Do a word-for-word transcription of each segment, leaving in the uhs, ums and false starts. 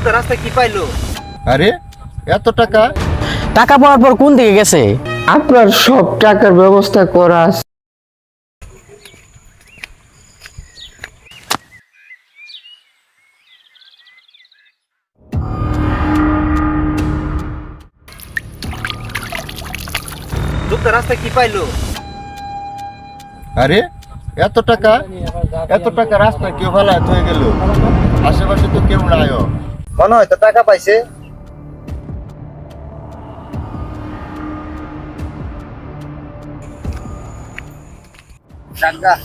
লোকটা রাস্তায় কি পাইলো? আরে এত টাকা? টাকা পাওয়ার পর কোন দিকে গেছে? আপনার সব টাকার ব্যবস্থা করা আছে। লোকটা রাস্তায় কি পাইলো? আরে এত টাকা? এত টাকা রাস্তায় কেউ ফেলায় হয়ে গেল? আশেপাশে তো কেউ নাই। মনে হয় তো টাকা পাইছে। টাকা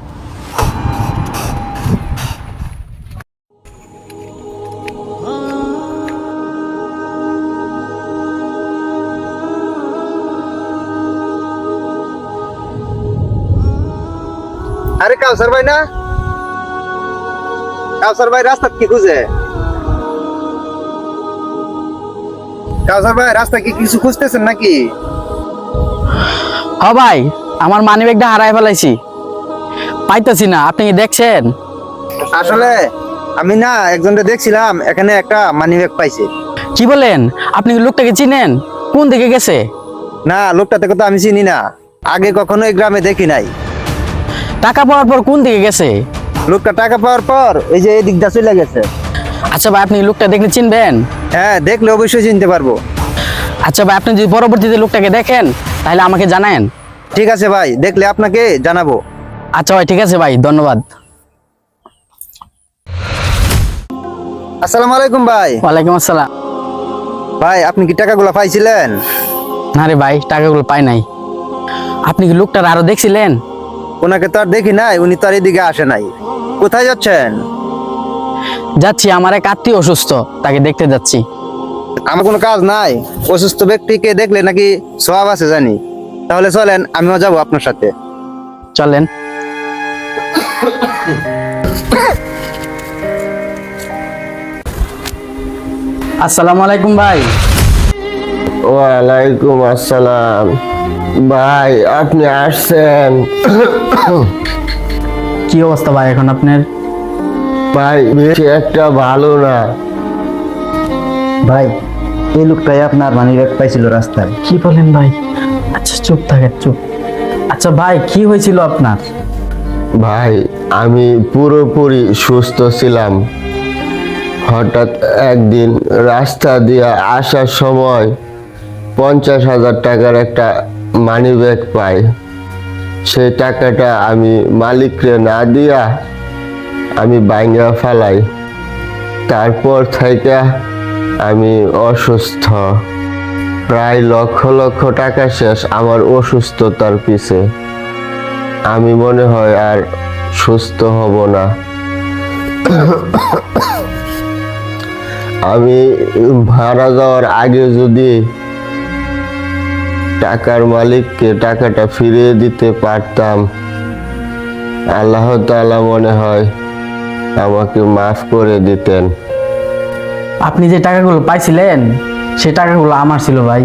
আরে কাউসার ভাই না? কাউসার ভাই রাস্তা কি খুঁজে? কাউসার ভাই রাস্তা কি কিছু খুঁজতেছেন নাকি? হ ভাই, আমার মানি ব্যাগটা হারাই ফেলাইছি, পাইতেছি না। আপনি কি দেখছেন? আসলে আমি না একজনকে দেখছিলাম, এখানে একটা মানি ব্যাগ পাইছে। কি বলেন? আপনি কি লোকটাকে চিনেন? কোন দিকে গেছে? না, লোকটাতে তো আমি চিনি না, আগে কখনো এই গ্রামে দেখি নাই। টাকা পাওয়ার পর কোন দিকে গেছে? লোকটা টাকা পাওয়ার পর এই যে এই দিকটা চলে গেছে। আচ্ছা ভাই, আপনি লোকটা দেখলে চিনবেন? হ্যাঁ, দেখলে অবশ্যই চিনতে পারবো। আচ্ছা ভাই, আপনি যদি পরবর্তীতে লোকটাকে দেখেন তাহলে আমাকে জানান। ঠিক আছে ভাই, দেখলে আপনাকে জানাবো। আচ্ছা ভাই, ঠিক আছে ভাই, ধন্যবাদ। আসসালামু আলাইকুম ভাই। ওয়ালাইকুম আসসালাম। ভাই, আপনি কি টাকাগুলো পাইছিলেন? না রে ভাই, টাকাগুলো পাই নাই। আপনি কি লোকটার আরো দেখছিলেন? ওনাকে তো আর দেখি নাই, উনি তো আর এদিকে আসে নাই। কোথায় যাচ্ছেন? যাচ্ছি, আমার এক আত্মীয় অসুস্থ, তাকে দেখতে যাচ্ছি। আমার কোনো কাজ নাই, অসুস্থ ব্যক্তিকে দেখলে নাকি সওয়াব আছে জানি। তাহলে চলেন, আমিও যাবো আপনার সাথে। চলেন। আসসালামু আলাইকুম ভাই। ওয়ালাইকুম আসসালাম। ভাই আপনি আসছেন? কি অবস্থা ভাই এখন আপনার? ভাই বেশি একটা ভালো না। ভাই, এই লোকটাই আপনার মানি ব্যাগ পাইছিল রাস্তায়। কি বলেন ভাই? আচ্ছা চুপ থাকেন, চুপ। আচ্ছা ভাই, কি হয়েছিল আপনার? ভাই আমি পুরোপুরি সুস্থ ছিলাম, হঠাৎ একদিন রাস্তা দিয়ে আসার সময় পঞ্চাশ হাজার টাকার একটা মানি ব্যাগ পাই। সেই টাকাটা আমি মালিকরে না দিয়া আমি বাইঙ্গা ফেলাই। তারপর থেকে আমি অসুস্থ, প্রায় লক্ষ লক্ষ টাকা শেষ আমার অসুস্থতার পিছে। আমি মনে হয় আর সুস্থ হব না। আমি মারা যাওয়ার আগে যদি টাকার মালিককে টাকাটা ফিরিয়ে দিতে পারতাম, আল্লাহ তাআলা মনে হয় আমাকে মাফ করে দিতেন। আপনি যে টাকাগুলো পাইছিলেন সে টাকাগুলো আমার ছিল ভাই।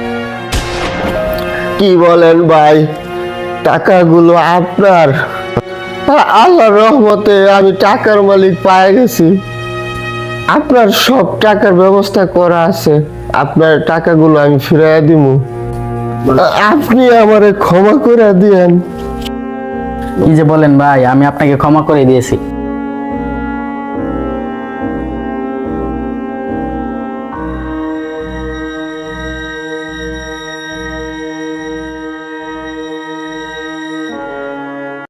কি বলেন ভাই? টাকাগুলো আপনার? আল্লাহর রহমতে আমি টাকার মালিক পেয়ে গেছি। আপনার সব টাকার ব্যবস্থা করা আছে, আপনার টাকাগুলো আমি ফিরিয়ে দিব। আপনি আমারে ক্ষমা করে দিয়েন। কি যে বলেন ভাই, আমি আপনাকে ক্ষমা করে দিয়েছি।